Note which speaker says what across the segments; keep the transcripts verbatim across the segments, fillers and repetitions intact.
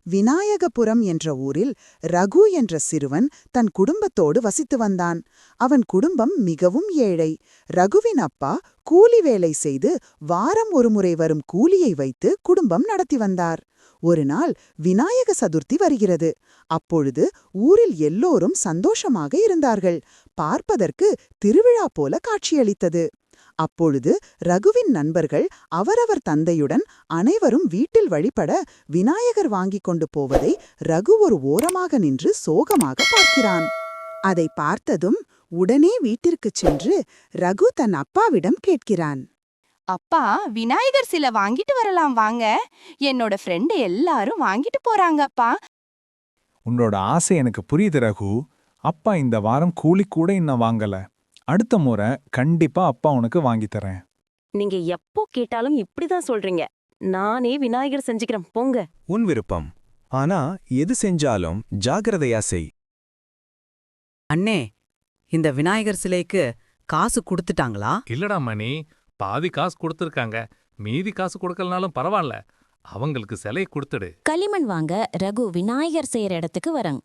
Speaker 1: விநாயகபுரம் என்ற ஊரில் ரகு என்ற சிறுவன் தன் குடும்பத்தோடு வசித்து வந்தான். அவன் குடும்பம் மிகவும் ஏழை. ரகுவின் அப்பா கூலி வேலை செய்து வாரம் ஒருமுறை வரும் கூலியை வைத்து குடும்பம் நடத்தி வந்தார். ஒரு நாள் விநாயக சதுர்த்தி வருகிறது. அப்பொழுது ஊரில் எல்லோரும் சந்தோஷமாக இருந்தார்கள். பார்ப்பதற்கு திருவிழா போல காட்சியளித்தது. அப்பொழுது ரகுவின் நண்பர்கள் அவரவர் தந்தையுடன் அனைவரும் வீட்டில் வழிபட விநாயகர் வாங்கிக் கொண்டு போவதை ரகு ஒரு ஓரமாக நின்று சோகமாக பார்க்கிறான். அதை பார்த்ததும் உடனே வீட்டிற்குச் சென்று ரகு தன் அப்பாவிடம் கேட்கிறான்.
Speaker 2: அப்பா, விநாயகர் சிலை வாங்கிட்டு வரலாம் வாங்க. என்னோட ஃப்ரெண்டு எல்லாரும் வாங்கிட்டு போறாங்க அப்பா.
Speaker 3: உன்னோட ஆசை எனக்கு புரியுது ரகு. அப்பா இந்த வாரம் கூலி கூட இன்னும் வாங்கல. அடுத்த முறை கண்டிப்பா அப்பா உனக்கு வாங்கி தரேன்.
Speaker 4: நீங்க எப்போ கேட்டாலும் இப்படிதான் சொல்றீங்க. நானே விநாயகர் செஞ்சுக்கிறேன் போங்க.
Speaker 5: உன் விருப்பம். ஆனா எது செஞ்சாலும் ஜாகிரதையா செய்.
Speaker 6: அண்ணே, இந்த விநாயகர் சிலைக்கு காசு கொடுத்துட்டாங்களா?
Speaker 7: இல்லடா மணி, பாதி காசு கொடுத்துருக்காங்க. மீதி காசு கொடுக்கலனாலும் பரவாயில்ல, அவங்களுக்கு சிலையை கொடுத்துடு.
Speaker 8: களிமண் வாங்க ரகு விநாயகர் செய்யற இடத்துக்கு வரங்.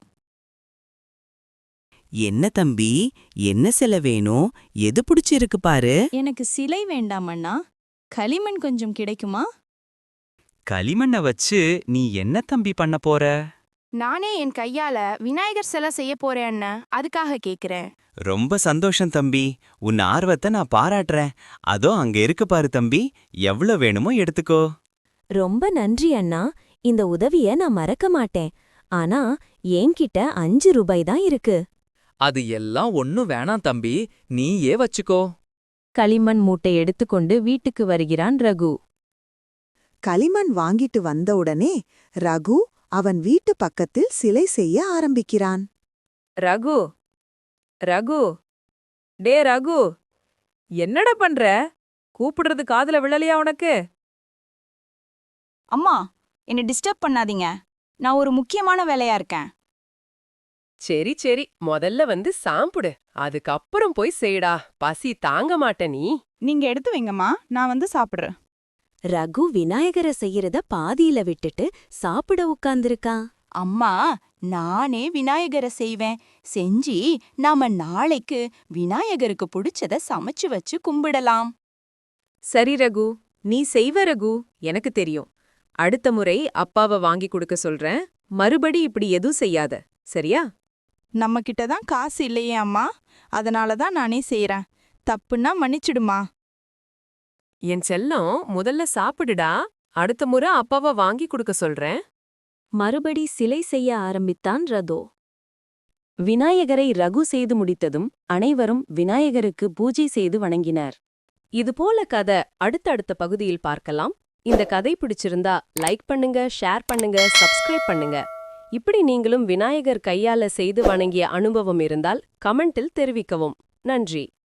Speaker 6: என்ன தம்பி, என்ன சிலை வேணும்? எது பிடிச்சிருக்கு பாரு.
Speaker 2: எனக்கு சிலை வேண்டாம் அண்ணா, களிமண் கொஞ்சம் கிடைக்குமா?
Speaker 6: களிமண்ண வச்சு நீ என்ன தம்பி பண்ண போற?
Speaker 2: நானே என் கையால விநாயகர் சிலை செய்ய போறேன் அண்ணா, அதுக்காக கேக்குறேன்.
Speaker 6: ரொம்ப சந்தோஷம் தம்பி, உன் ஆர்வத்தை நான் பாராட்டுறேன். அதோ அங்க இருக்கு பாரு தம்பி, எவ்வளவு வேணுமோ எடுத்துக்கோ.
Speaker 8: ரொம்ப நன்றி அண்ணா, இந்த உதவிய நான் மறக்க மாட்டேன். ஆனா என்கிட்ட அஞ்சு ரூபாய் தான் இருக்கு.
Speaker 9: அது எல்லாம் ஒன்னும் வேணாம் தம்பி, நீயே வச்சுக்கோ.
Speaker 8: களிமண் மூட்டை எடுத்துக்கொண்டு வீட்டுக்கு வருகிறான் ரகு.
Speaker 1: களிமண் வாங்கிட்டு வந்தவுடனே ரகு அவன் வீட்டு பக்கத்தில் சிலை செய்ய ஆரம்பிக்கிறான்.
Speaker 4: ரகு ரகு டே ரகு, என்னடா பண்ற? கூப்பிடுறது காதுல விழலையா உனக்கு?
Speaker 2: அம்மா, என்னை டிஸ்டர்ப் பண்ணாதீங்க, நான் ஒரு முக்கியமான வேலையா இருக்கேன்.
Speaker 4: சரி சரி, முதல்ல வந்து சாப்பிடு, அதுக்கப்புறம் போய் செய்டா. பசி தாங்க மாட்ட நீ.
Speaker 2: நீங்க எடுத்து வைங்கம்மா, நான் வந்து சாப்பிடுறேன்.
Speaker 8: ரகு விநாயகரை செய்யறத பாதியில விட்டுட்டு சாப்பிட உட்கார்ந்திருக்கான்.
Speaker 2: அம்மா, நானே விநாயகரை செய்வேன். செஞ்சு நாம நாளைக்கு விநாயகருக்கு பிடிச்சத சமைச்சு வச்சு கும்பிடலாம்.
Speaker 4: சரி ரகு, நீ செய்வ ரகு, எனக்கு தெரியும். அடுத்த முறை அப்பாவை வாங்கி கொடுக்க சொல்றேன். மறுபடி இப்படி எதுவும் செய்யாத, சரியா?
Speaker 2: நம்ம கிட்ட தான் காசு இல்லையே அம்மா, அதனால தான் நானே செய்யறேன். தப்புன்னா மன்னிச்சிடுமா.
Speaker 4: என் செல்லம், முதல்ல சாப்பிடுடா. அடுத்த முறை அப்பாவை வாங்கி கொடுக்க சொல்றேன்.
Speaker 8: மறுபடி சிலை செய்ய ஆரம்பித்தான் ரதோ. விநாயகரை ரகு செய்து முடித்ததும் அனைவரும் விநாயகருக்கு பூஜை செய்து வணங்கினர்.
Speaker 4: இதுபோல கதை அடுத்தடுத்த பகுதியில் பார்க்கலாம். இந்த கதை பிடிச்சிருந்தா லைக் பண்ணுங்க, ஷேர் பண்ணுங்க, சப்ஸ்கிரைப் பண்ணுங்க. இப்படி நீங்களும் விநாயகர் கையால செய்து வணங்கிய அனுபவம் இருந்தால் கமெண்டில் தெரிவிக்கவும். நன்றி.